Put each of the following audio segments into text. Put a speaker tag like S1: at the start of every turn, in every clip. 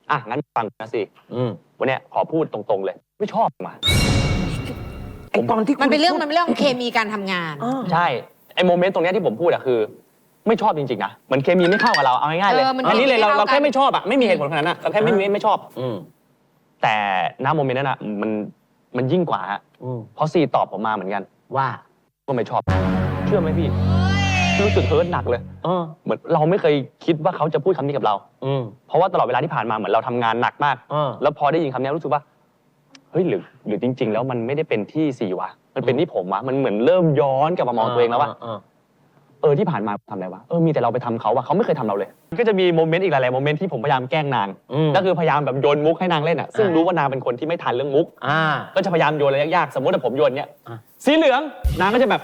S1: งั้นฟังนะสิวันเนี้ยขอพูดตรงๆเลยไม่ชอบมา
S2: ไอตอนที่
S3: มันเป็นเรื่องเคมีการทำงาน
S1: ใช่ไอโมเมนต์ตรงเนี้ยที่ผมพูดอะคือ ไม่ชอบจริงๆนะเหมือนเคมีไม่เข้ากับเราเอาง่ายๆเลยอันนี้เลยเราแค่ไม่ชอบอะไม่มีเหตุผลขนาดนั้นเราแค่ไม่ชอบแต่ณโมเมนต์นั้นอะมันยิ่งกว่าเพราะซีตอบผมมาเหมือนกันว่าก็ไม่ชอบเชื่อไหมพี่รู้สึกเฮิร์ตหนักเลยเหมือนเราไม่เคยคิดว่าเขาจะพูดคำนี้กับเราเพราะว่าตลอดเวลาที่ผ่านมาเหมือนเราทำงานหนักมากแล้วพอได้ยินคำนี้รู้สึกว่าเฮ้ยหรือจริงๆแล้วมันไม่ได้เป็นที่ซีวะมันเป็นที่ผมวะมันเหมือนเริ่มย้อนกลับมามองตัวเองแล้วว่าที่ผ่านมาทำอะไรวะมีแต่เราไปทำเขาวะเขาไม่เคยทำเราเลยก็จะมีโมเมนต์อีกหลายๆโมเมนต์ที่ผมพยายามแกล้งนางก็คือพยายามแบบโยนมุกให้นางเล่นอ่ะซึ่งรู้ว่านางเป็นคนที่ไม่ทันเรื่องมุกก็จะพยายามโยนอะไรยากๆสมมติว่าผมโยนเนี้ยสีเหลืองนางก็จะแบบ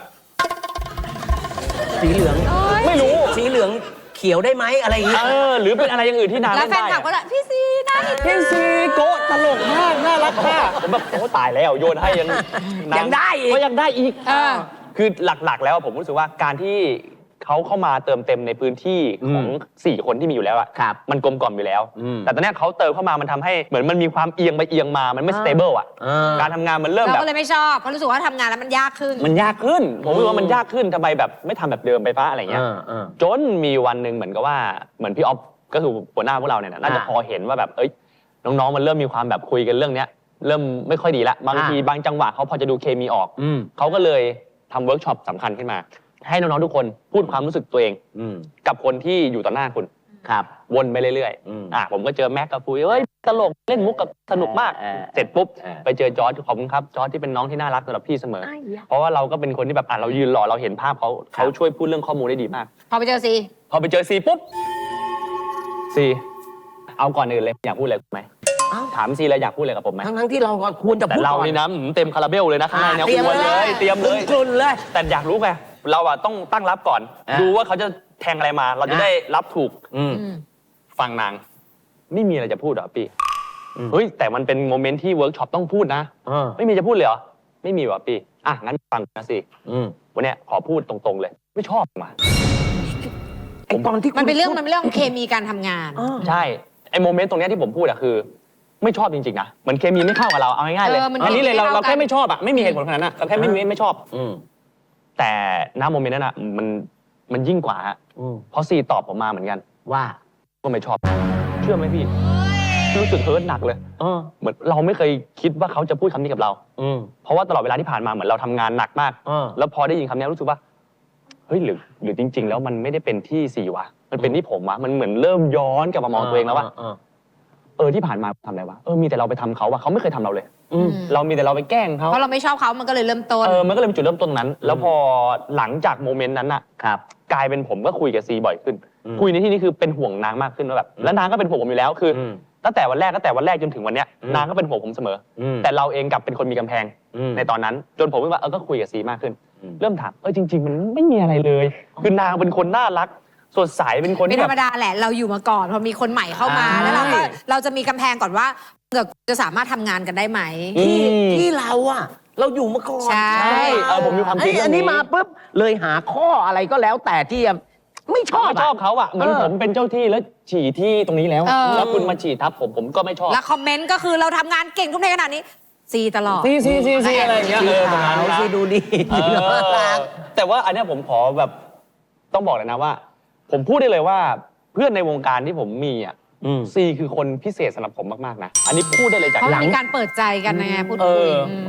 S2: สีเหลือง
S1: ไม่รู้
S2: สีเหลืองเขียวได้ไหมอะไรอย่างเงี้ย
S1: หรือเป็นอะไรอย่างอื่นที่นาง
S3: แล้วแฟนคลับก็พี่ซีได้
S1: พี่ซีโกะตลกมากน่ารักมากผมแบบตายแล้วโยนให้
S2: ยังได้อีก
S1: ก็ยังได้อีกคือหลักๆแล้วผมรู้สึกว่าการที่เขาเข้ามาเติมเต็มในพื้นที่ของ4คนที่มีอยู่แล้วอะมันกลมกล่อมอยู่แล้วแต่ตอนนี้เขาเติมเข้ามามันทำให้เหมือนมันมีความเอียงไปเอียงมามันไม่สเตเบิลอะการทำงานมันเริ่มแบบ
S3: เราก็เลยไม่ชอบเพราะรู้สึกว่าทำงานแล้วมันยากขึ้น
S1: ผมรู้ว่ามันยากขึ้นทำไมแบบไม่ทำแบบเดิมไปฟ้าอะไรเงี้ยจนมีวันหนึ่งเหมือนกับว่าเหมือนพี่ออฟก็คือหัวหน้าพวกเราเนี่ยน่าจะพอเห็นว่าแบบน้องๆมันเริ่มมีความแบบคุยกันเรื่องเนี้ยเริ่มไม่ค่อยดีละบางทีบางจังหวะเขาพอจะดูเคมีออกเขาก็เลยทำเวิร์กช็อปสำคัญขึ้นมาให้น้องๆทุกคนพูดความรู้สึกตัวเองกับคนที่อยู่ต่อหน้าคุณวนไปเรื่อยๆผมก็เจอแม็กกับปุยตลกเล่นมุกกับสนุกมากเสร็จปุ๊บไปเจอจอร์จขอบคุณครับจอร์จที่เป็นน้องที่น่ารักสำหรับพี่เสมอเพราะว่าเราก็เป็นคนที่แบบเรายืนรอเราเห็นภาพเขาช่วยพูดเรื่องข้อมูลได้ดีมาก
S3: พอไปเจอซี
S1: ปุ๊บซีเอาก่อนอื่นเลยอยากพูดอะไรไหมถามซีเลยอยากพูดอะไรกับผมไหม
S2: ทั้งที่เราควรจะพูด
S1: แต่เรานี่นะเต็มคาราเบลเลยนะข้างในเนี่ยควรเลยเตรียมเลยแต่อยากรู้ไงเราต้องตั้งรับก่อนดูว่าเขาจะแทงอะไรมาเราจะได้รับถูกฟังนางไม่มีอะไรจะพูดหรอพี่แต่มันเป็นโมเมนต์ที่เวิร์กช็อปต้องพูดนะไม่มีจะพูดเลยเหรอไม่มีว่ะพี่งั้นฟังนะสิวันเนี้ยขอพูดตรงๆเลยไม่ชอบมา
S3: ไอตอนที่มันเป็นเรื่องเคมีการทำงาน
S1: ใช่ไอโมเมนต์ตรงเนี้ยที่ผมพูดอะคือไม่ชอบจริงๆนะเหมือนเคมีไม่เข้ากับเราเอาง่ายๆเลยอันนี้เลยเราแค่ไม่ชอบอะไม่มีเหตุผลขนาดนั้นเราแค่ไม่ชอบแต่ณโมเมนต์นั้นอะมันยิ่งกว่าเพราะซีตอบผมมาเหมือนกันว่าก็ไม่ชอบเชื่อไหมพี่รู้สึกเฮิร์ตหนักเลยเหมือนเราไม่เคยคิดว่าเขาจะพูดคำนี้กับเราเพราะว่าตลอดเวลาที่ผ่านมาเหมือนเราทำงานหนักมากแล้วพอได้ยินคำนี้รู้สึกว่าเฮ้ยหรือจริงๆแล้วมันไม่ได้เป็นที่ซีวะมันเป็นที่ผมวะมันเหมือนเริ่มย้อนกลับมามองตัวเองแล้วว่าที่ผ่านมาทำอะไรวะมีแต่เราไปทำเขาวะเขาไม่เคยทำเราเลยเรามีแต่เราไปแกล้งเขา
S3: เพราะเราไม่ชอบเขามันก็เลยเริ่มต้น
S1: มันก็เลยเป็นจุดเริ่มต้นนั้นแล้วพอหลังจากโมเมนต์นั้นน่ะกลายเป็นผมก็คุยกับซีบ่อยขึ้นคุยในที่นี้คือเป็นห่วงนางมากขึ้นว่าแบบแล้วนางก็เป็นห่วงผมอยู่แล้วคือตั้งแต่วันแรกจนถึงวันเนี้ยนางก็เป็นห่วงผมเสมอแต่เราเองกลับเป็นคนมีกำแพงในตอนนั้นจนผมว่าก็คุยกับซีมากขึ้นเริ่มถามจริงๆมันไม่มีอะไรเลยคือนางเป็นคนน่ารักสดใสเป็นคน
S3: ไม่ธรรมดาแหละเราอยู่มาก่อนพอมีคนใหม่เข้ามาแล้วเราจะมีกำแพงก่อนว่าจะสามารถทำงานกันได้ไหม
S2: ที่เราอยู่มาก่อน
S3: ใช่
S1: ผมมีความคิด
S2: อันนี้มาปุ๊บเลยหาข้ออะไรก็แล้วแต่ที่ไม่ชอบ
S1: เขาเหมือนผมเป็นเจ้าที่แล้วฉี่ที่ตรงนี้แล้วคุณมาฉี่ทับผมก็ไม่ชอบ
S3: แล้วคอมเมนต์ก็คือเราทำงานเก่งทุ่มเทขนาดนี้ซีตลอด
S1: ซีอะไรอย่างเงี้ย
S2: ซีดูดี
S1: แต่ว่าอันนี้ผมขอแบบต้องบอกเลยนะว่าผมพูดได้เลยว่าเพื่อนในวงการที่ผมมีซีคือคนพิเศษสำหรับผมมากๆนะอันนี้พูดได้เลยจาก
S3: หลังการเปิดใจกันไงพูดคุย